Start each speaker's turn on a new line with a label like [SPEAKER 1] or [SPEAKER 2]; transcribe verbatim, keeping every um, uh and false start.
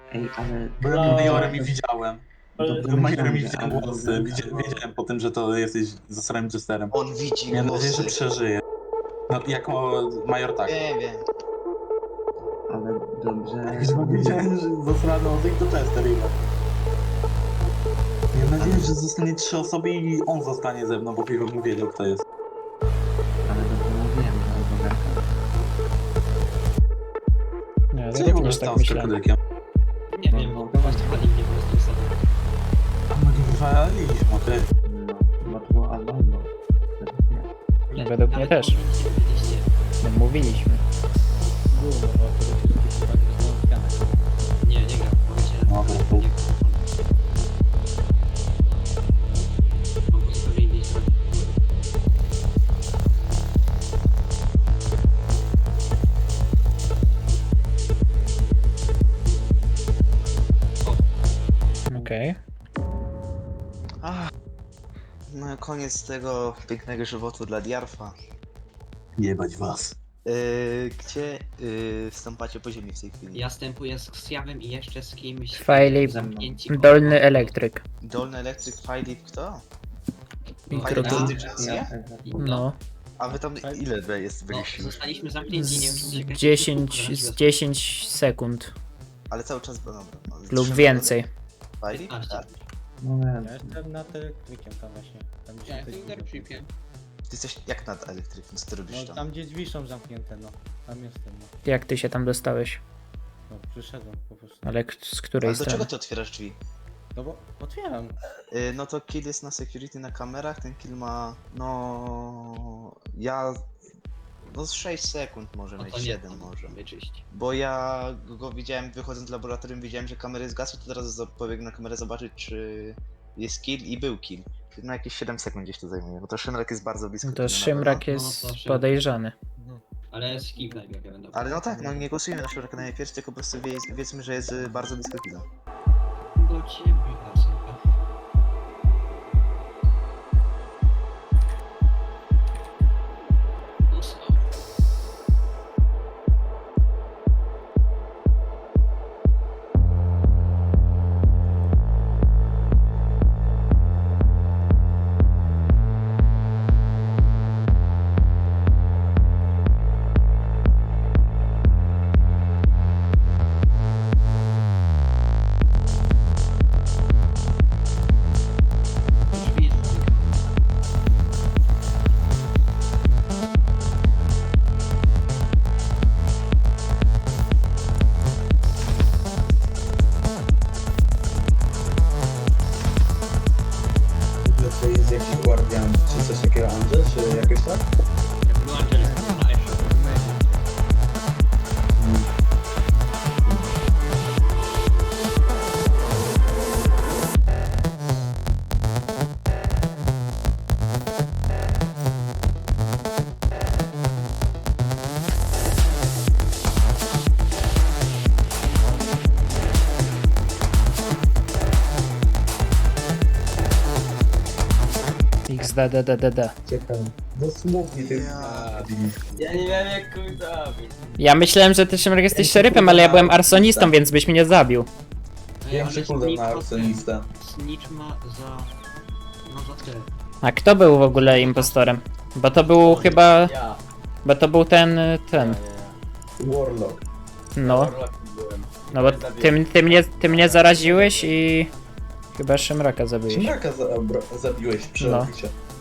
[SPEAKER 1] Ej, ale...
[SPEAKER 2] Bo ja
[SPEAKER 3] No.
[SPEAKER 2] majorem i widziałem.
[SPEAKER 1] Dobrze
[SPEAKER 2] Majorem i
[SPEAKER 1] myślałem, że-
[SPEAKER 2] widziałem
[SPEAKER 1] ale
[SPEAKER 2] głosy.
[SPEAKER 1] dobrze
[SPEAKER 2] Widzia,
[SPEAKER 1] myślałem.
[SPEAKER 2] wiedziałem po tym, że to jesteś zasranym jesterem.
[SPEAKER 4] On widzi
[SPEAKER 2] Miałem nadzieję, że
[SPEAKER 4] głosy.
[SPEAKER 2] przeżyje. No, jako major tak.
[SPEAKER 4] Wiem, wiem.
[SPEAKER 1] Ale dobrze...
[SPEAKER 2] Jak już wiedziałem, że zasrany Ozyk to Chester ile. Miałem nadzieję, że zostanie trzy osoby i on zostanie ze mną, bo Piwo mu wiedział, kto jest.
[SPEAKER 1] Ale dobrze mówiłem, że Bogarka.
[SPEAKER 3] Nie,
[SPEAKER 2] Co
[SPEAKER 3] ja
[SPEAKER 2] ja w ogóle
[SPEAKER 3] również
[SPEAKER 2] stało
[SPEAKER 3] tak
[SPEAKER 2] z
[SPEAKER 3] myślałem.
[SPEAKER 2] krokodykiem?
[SPEAKER 5] Nie wiem,
[SPEAKER 1] No,
[SPEAKER 5] bo wali mnie po prostu sobie.
[SPEAKER 2] A my nie wywaliliśmy, ty.
[SPEAKER 1] No, bo to było albo albo. Według mnie.
[SPEAKER 3] Według mnie
[SPEAKER 5] Nawet
[SPEAKER 3] też.
[SPEAKER 5] powinniście byliście.
[SPEAKER 3] No, mówiliśmy.
[SPEAKER 6] Było, bo to wszystkie przypadki są zgane.
[SPEAKER 5] Nie, nie gram. Powiedziałem,
[SPEAKER 2] No,
[SPEAKER 5] że
[SPEAKER 2] to-
[SPEAKER 5] nie gram. Mam zupełnie innej strony.
[SPEAKER 3] Okej.
[SPEAKER 4] Ach. No koniec tego pięknego żywotu dla Diarfa.
[SPEAKER 2] Jebać was.
[SPEAKER 4] Yy, gdzie yy, wstąpacie po ziemi w tej chwili?
[SPEAKER 5] Ja stępuję z Ksjawem i jeszcze z kimś.
[SPEAKER 3] Filip,
[SPEAKER 5] zamknięci koło-
[SPEAKER 3] Dolny elektryk.
[SPEAKER 4] Dolny Electric Filip kto?
[SPEAKER 5] No,
[SPEAKER 3] Kto to?
[SPEAKER 5] ja-
[SPEAKER 4] Agencja?
[SPEAKER 1] Ja,
[SPEAKER 3] No.
[SPEAKER 4] A wy tam ile wy jest
[SPEAKER 5] No,
[SPEAKER 4] byliście już?
[SPEAKER 5] zostaliśmy zamknięci, nie wiem czy
[SPEAKER 3] Z
[SPEAKER 5] czekać.
[SPEAKER 3] dziesięć, z dziesięć sekund
[SPEAKER 4] Ale cały czas no, no, no,
[SPEAKER 3] lub
[SPEAKER 4] trzy
[SPEAKER 3] więcej.
[SPEAKER 4] Filip?
[SPEAKER 5] piętnaście.
[SPEAKER 4] Tak.
[SPEAKER 1] no
[SPEAKER 6] Ja
[SPEAKER 1] nie,
[SPEAKER 6] jestem nad elektrykiem tam właśnie. Tam gdzie
[SPEAKER 5] Ja
[SPEAKER 6] się
[SPEAKER 5] jestem
[SPEAKER 6] te drzwi-
[SPEAKER 5] elektrykiem.
[SPEAKER 4] Ty jesteś jak nad elektrykiem, co ty robisz
[SPEAKER 6] No
[SPEAKER 4] tam?
[SPEAKER 6] tam gdzie drzwi są zamknięte, no. Tam jestem, no.
[SPEAKER 3] Jak ty się tam dostałeś?
[SPEAKER 6] No przyszedłem po prostu.
[SPEAKER 3] Ale k- z której
[SPEAKER 4] Ale do czego
[SPEAKER 3] strony?
[SPEAKER 4] ty otwierasz drzwi?
[SPEAKER 6] No bo otwieram.
[SPEAKER 4] Yy, no to kill jest na security na kamerach, ten kill ma... no... ja... no z sześć sekund może
[SPEAKER 5] No
[SPEAKER 4] mieć,
[SPEAKER 5] to nie,
[SPEAKER 4] siedem
[SPEAKER 5] to
[SPEAKER 4] może.
[SPEAKER 5] wyczyść.
[SPEAKER 4] Bo ja go widziałem wychodząc z laboratorium, widziałem, że kamery zgasły, to teraz za- pobiegnę na kamerę zobaczyć, czy jest kill i był kill. No jakieś siedem sekund gdzieś to zajmuje, bo to Szymrak jest bardzo blisko.
[SPEAKER 3] No
[SPEAKER 4] kill
[SPEAKER 3] to
[SPEAKER 4] na
[SPEAKER 3] Szymrak
[SPEAKER 4] pewno.
[SPEAKER 3] jest
[SPEAKER 5] No to Szymrak.
[SPEAKER 3] podejrzany.
[SPEAKER 5] Ale skip najpierw ja będę.
[SPEAKER 4] Ale no tak, no nie głosujemy na Szymraka najpierw, tylko po prostu wie, wiedzmy, że jest y, bardzo blisko killa.
[SPEAKER 5] Do ciebie, Arsenka. Mocno. Drzwi jest zamykane.
[SPEAKER 2] To jest jakiś guardian, czy coś takiego, Andrzej, czy jakoś tak?
[SPEAKER 5] Jak był Angeles, to na Eszu.
[SPEAKER 3] XDDDD.
[SPEAKER 2] Ciekawe. Dosłownie ty.
[SPEAKER 4] Ja-
[SPEAKER 5] Ja nie wiem jak kogoś zabić.
[SPEAKER 3] Ja myślałem, że ty Szymrak jesteś szeryfem, ale ja byłem arsonistą, więc byś mnie nie zabił.
[SPEAKER 2] Większy cooldown na arsonistę.
[SPEAKER 5] Snitch ma za... no za tyle.
[SPEAKER 3] A kto był w ogóle impostorem? Bo to był chyba...
[SPEAKER 6] Ja.
[SPEAKER 3] Bo to był ten... ten...
[SPEAKER 2] Warlock.
[SPEAKER 3] No. No bo ty, ty, mnie, ty mnie zaraziłeś i... Chyba Szymraka zabiłeś.
[SPEAKER 2] Szymraka za, zabiłeś przy
[SPEAKER 3] No.
[SPEAKER 2] oficie.